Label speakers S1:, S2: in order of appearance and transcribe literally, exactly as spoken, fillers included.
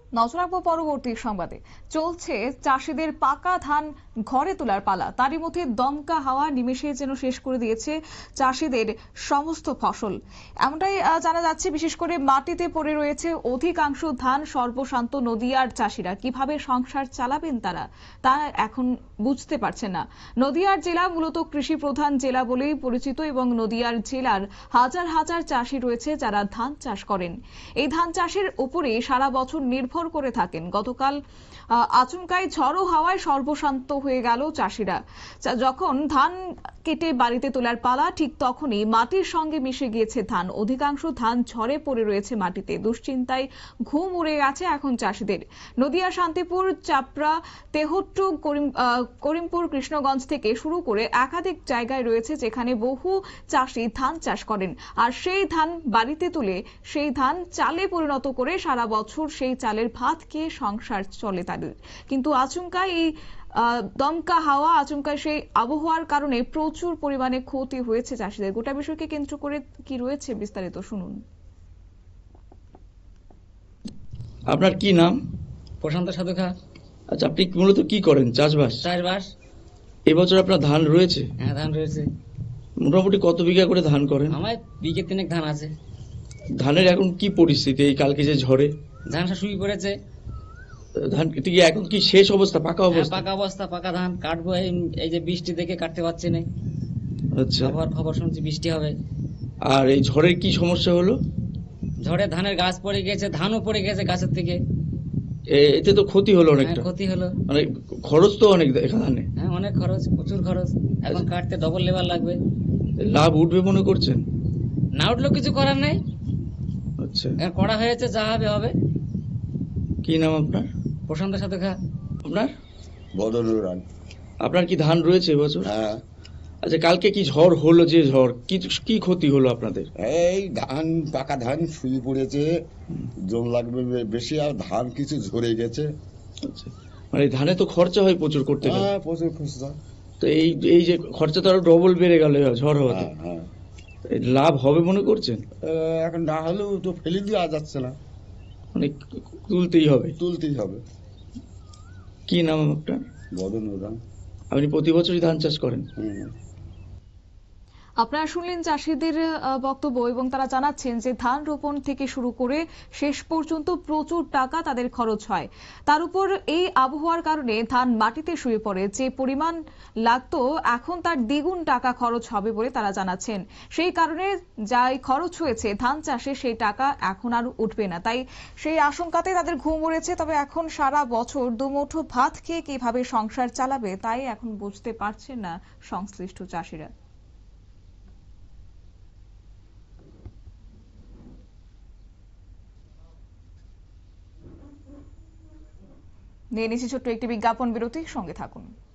S1: নজর রাখবো পরবর্তী সংবাদে। চলছে চাষিদের পাকা ধান ঘরে তোলার পালা, তারই মধ্যে দমকা হাওয়া নিমেষে যেন শেষ করে দিয়েছে চাষিদের সমস্ত ফসল। এমনটাই জানা যাচ্ছে, বিশেষ করে মাটিতে পড়ে রয়েছে অধিকাংশ ধান। সর্বশান্ত নদিয়ার চাষিরা কিভাবে সংসার চালাবেন তারা তা এখন বুঝতে পারছেন না। নদিয়ার জেলা মূলত কৃষি প্রধান জেলা বলেই পরিচিত এবং নদিয়ার জেলার হাজার হাজার চাষি রয়েছে যারা ধান চাষ করেন। এই ধান চাষের উপরে সারা বছর নির্ভর করে থাকেন। গতকাল আচমকাই ঝড়ো হাওয়ায় সর্বশান্ত হয়ে গেল চাষিরা। যখন ধান কেটে বাড়িতে তোলার পালা, ঠিক তখনই মাটির সঙ্গে মিশে গিয়েছে ধান। অধিকাংশ ধান ঝরে পড়ে রয়েছে মাটিতে। দুশ্চিন্তায় ঘুম উড়ে গেছে এখন চাষিদের। নদিয়া, শান্তিপুর, চাপড়া, তেহট্টু, করিমপুর, কৃষ্ণগঞ্জ থেকে শুরু করে একাধিক জায়গায় রয়েছে যেখানে বহু চাষি ধান চাষ করেন। আর সেই ধান বাড়িতে তুলে সেই ধান চালে পরিণত করে সারা বছর সেই চালের ভাত খেয়ে সংসার চলে তাদের। কিন্তু আচমকা এই দমকা হাওয়া, আচমকা সেই আবহাওয়ার কারণে প্রচুর পরিমাণে ক্ষতি হয়েছে চাষিদের। গোটা বিষয়কে কেন্দ্র করে কি রয়েছে বিস্তারিত শুনুন।
S2: আপনার কি নাম?
S3: প্রশান্ত সাধুখা।
S2: আচ্ছা, আপনি মূলত কি করেন? চাষবাস?
S3: চাষবাস।
S2: এবছর আপনার ধান রয়েছে?
S3: হ্যাঁ, ধান রয়েছে।
S2: মোটামুটি কত বিঘা করে ধান করেন?
S3: আমার বিঘে তিনেক ধান আছে।
S2: ধানের এখন কি পরিস্থিতি এই কালকে যে ঝড়ে?
S3: ধান শুকিয়ে পড়েছে।
S2: ধান কি এখন কি শেষ অবস্থা, পাকা অবস্থা?
S3: পাকা অবস্থা, পাকা ধান কাটবো। এই যে বৃষ্টি দেখে কাটতে পারছি না।
S2: আচ্ছা,
S3: আবহাওয়ার খবর শুনছি বৃষ্টি হবে।
S2: আর এই ঝড়ের কি সমস্যা হলো?
S3: ঝড়ে ধানের গাছ পড়ে গেছে, ধানও পড়ে গেছে গাছের থেকে।
S2: এতে তো ক্ষতি হলো অনেকটা।
S3: ক্ষতি হলো, মানে
S2: খরচ তো অনেক এখানে।
S3: হ্যাঁ, অনেক খরচ, প্রচুর খরচ। এখন কাটতে ডবল লেবার লাগবে।
S2: লাভ উঠবে মনে করছেন?
S3: না উঠলেও কিছু করার নেই।
S2: আচ্ছা,
S3: করা হয়েছে, যা হবে হবে।
S2: কি নাম আপনার?
S3: প্রশান্ত সাধুখা।
S2: আপনার?
S4: বদলুর।
S2: আপনার কি ধান রয়েছে এবছর?
S4: হ্যাঁ।
S2: আচ্ছা, কালকে কি ঝড় হলো? যে ঝড় কি কি ক্ষতি হলো আপনাদের?
S4: এই ধান, পাকা ধান শুয়ে পড়েছে, জল লাগবে বেশি, আর ধান কিছু ঝরে গেছে।
S2: আচ্ছা, মানে ধানে তো খরচা হয় প্রচুর করতে গেলে।
S4: হ্যাঁ, প্রচুর খরচা।
S2: তো এই এই যে খরচা তো আরো ডবল বেড়ে গেল ঝড় হওয়াতে।
S4: হ্যাঁ,
S2: লাভ হবে মনে করছেন?
S4: এখন না হলেও তো ফেলে দেওয়া যাচ্ছে না,
S2: মানে তুলতেই হবে।
S4: তুলতেই হবে।
S2: কি নাম আপনার?
S4: বদলুর।
S2: আপনি প্রতি বছরই ধান চাষ করেন?
S4: হুম।
S1: আপনারা শুনলেন চাষিদের বক্তব্য এবং তারা জানাচ্ছেন যে ধান রোপণ থেকে শুরু করে শেষ পর্যন্ত প্রচুর টাকা তাদের খরচ হয়। তার উপর এই আবহাওয়ার কারণে ধান মাটিতে শুয়ে পড়ে। যে পরিমাণ লাগতো এখন তার দ্বিগুণ টাকা খরচ হবে বলে তারা জানাচ্ছেন। সেই কারণে যাই খরচ হয়েছে ধান চাষে সেই টাকা এখন আর উঠবে না। তাই সেই আশঙ্কাতে তাদের ঘুম উড়েছে। তবে এখন সারা বছর দুমুঠো ভাত খেয়ে কিভাবে সংসার চালাবে তাই এখন বুঝতে পারছেন না সংশ্লিষ্ট চাষিরা। নিয়ে নিচ্ছি ছোট্ট একটি বিজ্ঞাপন বিরতি, সঙ্গে থাকুন।